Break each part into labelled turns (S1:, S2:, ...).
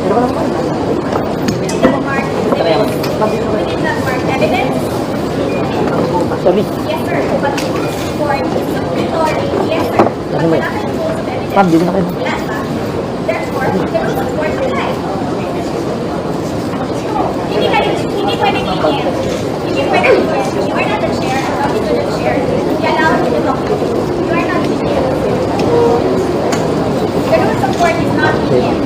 S1: Evidence?
S2: Sorry.
S1: Yes, sir. But for supplementary, yes, sir. But wala kang rules of evidence.
S2: Ma'am, dito na kayo.
S1: Wala ba? Therefore, the rules of court apply. Hindi pwede i-end. Hindi pwede i-end. You are not the chair. I'm talking to the chair. You allow me to talk to you. You are not the chair. The rules of court is not i-end.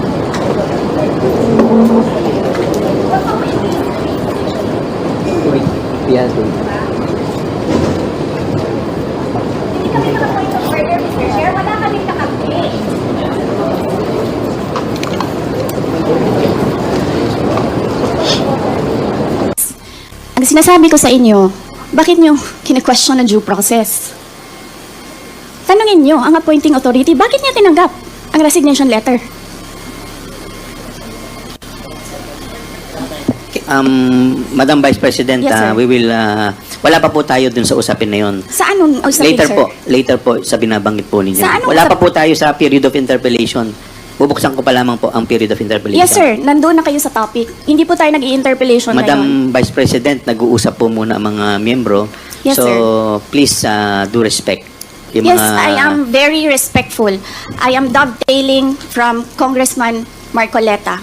S1: What's up with these three positions?
S2: Wait. Yan, wait.
S1: Hindi kami nakapoint of order, Mr. Chair. Wala kaming nakapoint.
S3: Ang sinasabi ko sa inyo, bakit nyo kine-question ang due process? Tanungin nyo ang appointing authority, bakit niya tinanggap ang resignation letter?
S4: Madam Vice President,
S3: Yes, sir.
S4: we will, wala pa po tayo dun sa usapin na yun.
S3: Sa anong usapin,
S4: Later
S3: sir?
S4: later po sa binabanggit po ninyo.
S3: Sa anong
S4: Wala pa po tayo sa period of interpellation. Bubuksan ko pa lamang po ang period of interpellation.
S3: Yes, sir. Nandoon na kayo sa topic. Hindi po tayo nag-i-interpellation ngayon.
S4: Madam Vice President, nag-uusap po muna ang mga miyembro.
S3: Yes,
S4: so,
S3: sir.
S4: please do respect. Yung
S3: Yes,
S4: mga,
S3: I am very respectful. I am dovetailing from Congressman Marcoleta.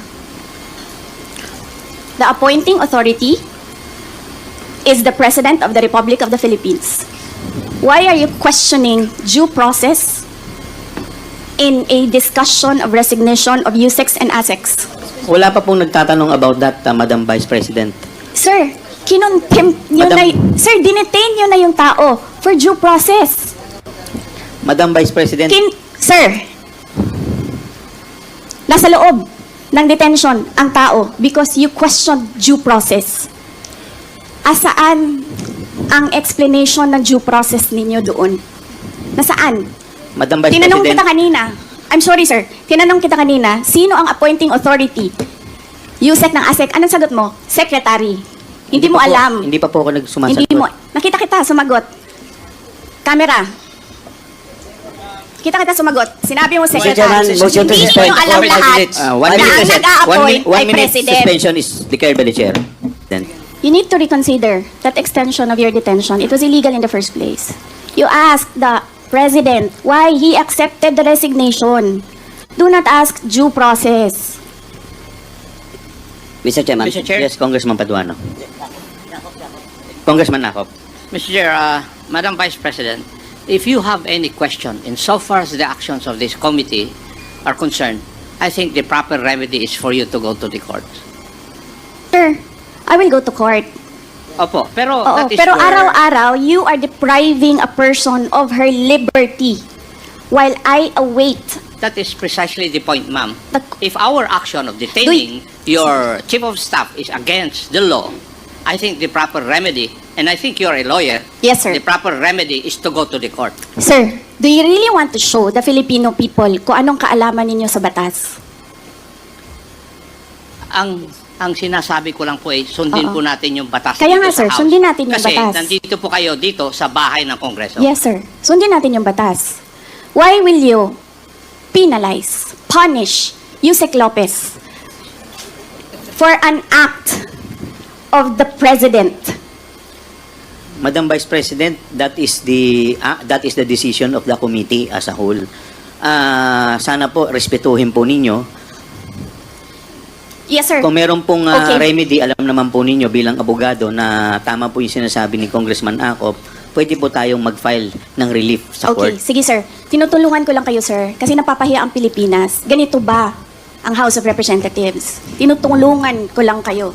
S3: The appointing authority is the President of the Republic of the Philippines. Why are you questioning due process in a discussion of resignation of USEX and ASEX?
S4: Wala pa pong nagtatanong about that, Madam Vice President.
S3: Sir, kinontempt nyo
S4: Madam-
S3: na, sir, dinetain nyo na yung tao for due process.
S4: Madam Vice President,
S3: Sir, nasa loob ng detention ang tao because you questioned due process. Asaan ang explanation ng due process ninyo doon? Nasaan?
S4: Madam Vice
S3: Tinanong
S4: President,
S3: kita kanina. I'm sorry, sir. Tinanong kita kanina, sino ang appointing authority? USEC ng ASEC. Anong sagot mo? Secretary. Hindi mo
S4: pa po-
S3: alam.
S4: Hindi pa po ako nagsumasagot.
S3: Hindi mo. Nakita kita, sumagot. Camera. Kita kita sumagot. Sinabi mo, Secretary.
S2: Chairman, motion to
S3: Hindi
S2: suspend.
S3: nyo alam lahat
S4: One
S3: na
S4: minute,
S3: ang nag-a-appoint
S4: one
S3: ay
S4: minute
S3: President.
S4: suspension is declared by the chair. Then,
S3: You need to reconsider that extension of your detention. It was illegal in the first place. You asked the President why he accepted the resignation. Do not ask due process.
S4: Mr. Chairman.
S5: Mr. Chair?
S4: Yes, Congressman Paduano. Congressman Nakop.
S5: Mr. Chair, Madam Vice President, if you have any question insofar as the actions of this committee are concerned, I think the proper remedy is for you to go to the court.
S3: Sir, I will go to court.
S5: Opo, pero
S3: Oo,
S5: that is
S3: pero
S5: where-
S3: araw-araw, you are depriving a person of her liberty while I await.
S5: That is precisely the point, ma'am.
S3: The-
S5: If our action of detaining your chief of staff is against the law, I think the proper remedy, and I think you're a lawyer,
S3: Yes, sir.
S5: the proper remedy is to go to the court.
S3: Sir, do you really want to show the Filipino people kung anong kaalaman ninyo sa batas?
S5: Ang sinasabi ko lang po ay sundin
S3: Oo.
S5: po natin yung batas
S3: Kaya
S5: dito
S3: nga,
S5: sa
S3: sir,
S5: House.
S3: sundin natin yung
S5: Kasi
S3: batas.
S5: nandito po kayo dito sa bahay ng Kongreso.
S3: Yes, sir. Sundin natin yung batas. Why will you penalize, punish Yusek Lopez for an act of the President?
S4: Madam Vice President, that is the decision of the committee as a whole. Sana po respetuhin po ninyo.
S3: Yes, sir.
S4: Kung meron pong
S3: Okay.
S4: remedy, alam naman po ninyo bilang abogado na tama po yung sinasabi ni Congressman Akop, pwede po tayong mag-file ng relief sa
S3: Okay,
S4: court.
S3: sige sir. Tinutulungan ko lang kayo, sir. Kasi napapahiya ang Pilipinas. Ganito ba ang House of Representatives? Tinutulungan ko lang kayo.